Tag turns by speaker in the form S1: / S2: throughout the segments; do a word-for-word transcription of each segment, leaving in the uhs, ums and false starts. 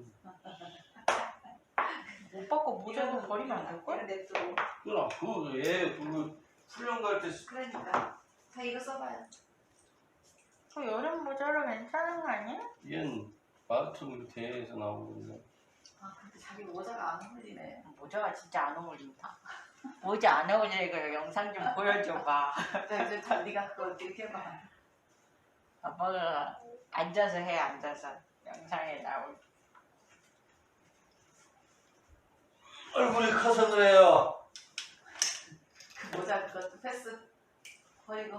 S1: 오빠 거 모자도 버리면 안 될걸?
S2: 내 또.
S3: 그럼 그얘 그 훈련 갈 때
S2: 그러니까. 자 이거 써봐요.
S1: 그 여름 모자로 괜찮은 거 아니야?
S3: 얘는 마라톤 대회에서 나온 건데.
S2: 아 근데 자기 모자가 안 어울리네.
S1: 모자가 진짜 안 어울린다. 모자 안 어울리니까 영상 좀 보여줘봐.
S2: 자 이제 다 네가 그거 이렇게 해봐.
S1: 아빠가 앉아서 해, 앉아서. 영상에 나올.
S3: 얼굴이 커서 그래요.
S2: 그 모자 그것도 패스. 버리고.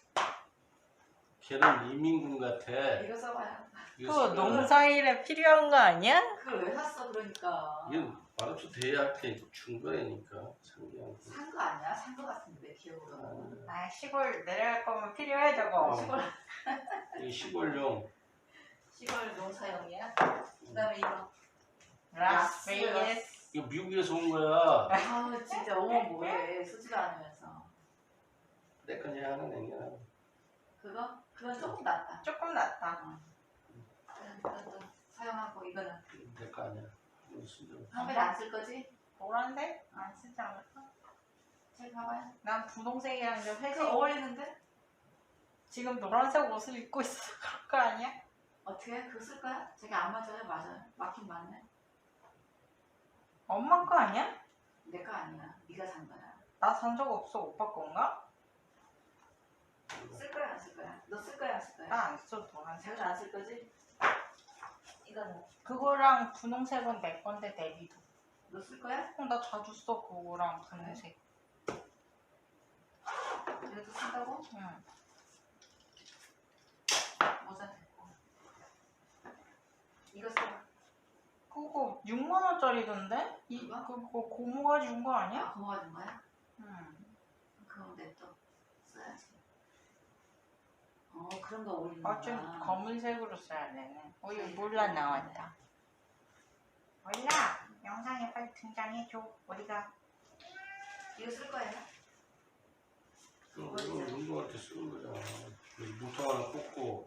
S3: 걔는 이민군 같아.
S2: 이거 써봐요.
S1: 그거 농사일에 필요한 거 아니야?
S2: 그걸 왜 샀어 그러니까.
S3: 이건 마라톤 대회 할 때 준 거니까 상기한 거.
S2: 산 거 아니야? 산 거 같은데 내 기억으로는.
S1: 아, 시골 내려갈 거면 필요해, 저거.
S3: 어.
S2: 시골
S3: 이 시골용.
S2: 시골 농사용이야. 그다음에 이거.
S1: 라스베이거스.
S3: 이거 미국에서 온 거야.
S2: 아우 진짜 어머 뭐해 쓰지도 않으면서.
S3: 내 거냐 하나 내냐.
S2: 그거? 그건 조금 낫다.
S1: 조금 낫다.
S2: 그것도 사용하고 이거는
S3: 내 거 아니야. 이거 쓰죠.
S2: 한 번에 안 쓸 거지?
S1: 노란색? 안 쓰지 않을까?
S2: 잘 봐봐요.
S1: 난 분홍색이랑 좀 회색.
S2: 그 어울리는데?
S1: 지금 노란색 옷을 입고 있어. 그럴 거 아니야?
S2: 어떻게? 그거 쓸 거야? 저게 안 맞아요? 맞아요. 맞긴 맞네.
S1: 엄마 거 아니야?
S2: 내 거 아니야. 네가 산 거야.
S1: 나 산 적 없어. 오빠 건가?
S2: 쓸 거야 안 쓸 거야? 너 쓸 거야 안 쓸 거야?
S1: 나 안 써, 노란색.
S2: 자기도 안 쓸 거지? 이거는
S1: 그거랑 분홍색은 내 건데, 내비도.
S2: 너 쓸 거야?
S1: 어, 나 자주 써, 그거랑 분홍색.
S2: 이것도 쓴다고?
S1: 응.
S2: 모자 됐고. 이거 써.
S1: 그거 육만 원짜리던데? 이,
S2: 그거?
S1: 그거 고모가 준 거 아니야?
S2: 아, 고모가 준 거야?
S1: 응.
S2: 그럼 내 또 써야지. 어 그런 거 어울리는
S1: 아, 좀
S2: 거야.
S1: 검은색으로 써야 되네. 어, 이거 몰라 나왔다. 몰라. 영상에 빨리 등장해줘. 어디가?
S2: 이거 쓸 거야?
S3: 이거 운동할 때 쓰는 거잖아. 여기 물통 하나 꽂고.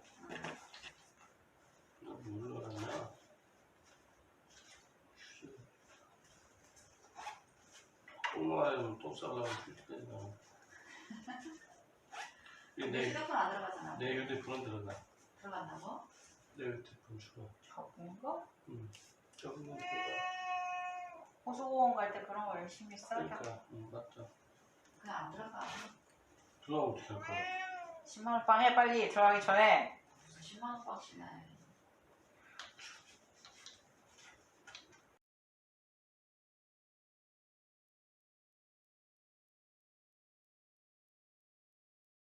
S3: 이거 뭘로 하냐? 똥 마려면 똥 싸려면 휴대폰이
S2: 내
S3: 내,
S2: 휴대폰 안 들어가잖아.
S3: 내 휴대폰은 들어가.
S2: 들어간다고?
S3: 내 휴대폰 주로.
S1: 적은 거?
S3: 응. 적은 건 들어가.
S1: 호수공원 갈 때 그런 거 열심히 써야
S3: 그러니까, 응, 맞다.
S2: 그냥 안 들어가.
S3: 들어가면 어떻게 할 거야?
S1: 십만 원 빵 해, 빨리. 들어가기 전에.
S2: 십만 원 빡치네.